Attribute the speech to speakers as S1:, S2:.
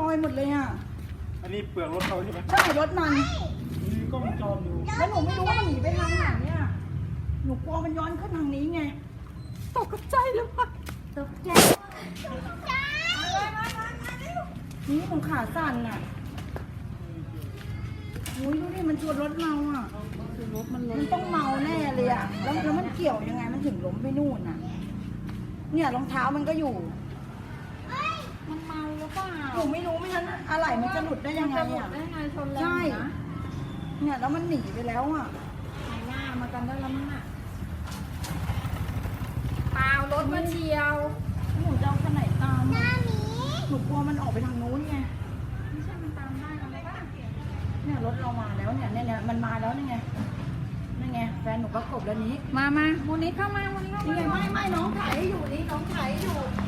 S1: อยหมดเลยอ่ะ
S2: อันนี้เปลือกรถเขาใช่ไหม
S1: ใช่รถมัน
S2: มีกล้องวงจรอยู่
S1: แล้วหนูไม่รู้ว่ามันหนีไปทางไหนเนี่ยหนูกลัวมันย้อนขึ้นทางนี้ไงตกใจเลยว่ะ
S3: ตกใจ
S1: นี่หนูขาสั่นอ่ะอุ้ยดูดิมันชนรถเราอ่ะ
S3: คือรถมัน
S1: มันต้องเมาแน่เลยอ่ะแล้วมันเกี่ยวยังไงมันถึงล้มไปนู่นอ่ะ เนี่ยรองเท้ามันก็อยู่
S3: มันเมาหรือเปล่า
S1: หนูไม่รู้ไม่งั้นอะไรมันจะหลุดได้ยังไง
S3: จะหลุด
S1: อ่ะ
S3: ได้ไงชนแรง
S1: ใช่
S3: นะ
S1: เนี่ยแล้วมันหนีไปแล้วอ่ะ
S3: หายหน้ามากันได้แล้วมั้งอ่ะเปล่ารถมาเฉียว
S1: หนูจะเอาคันไหนตามอะหนูกลัวมันออกไปทางนู้นไง
S3: ไม่ใช่มันตามได้แล้วป่ะ
S1: เนี่ยรถเรามาแล้วเนี่ยมันมาแล้วนี่ไงนี่ไงแฟนหนูประกบแล้วนี้
S3: มามูนิเข้ามามูนิเข้า
S1: นี่
S3: มา
S1: ไงไม่น้องถ่ายให้อยู่นี่น้องถ่ายให้อยู่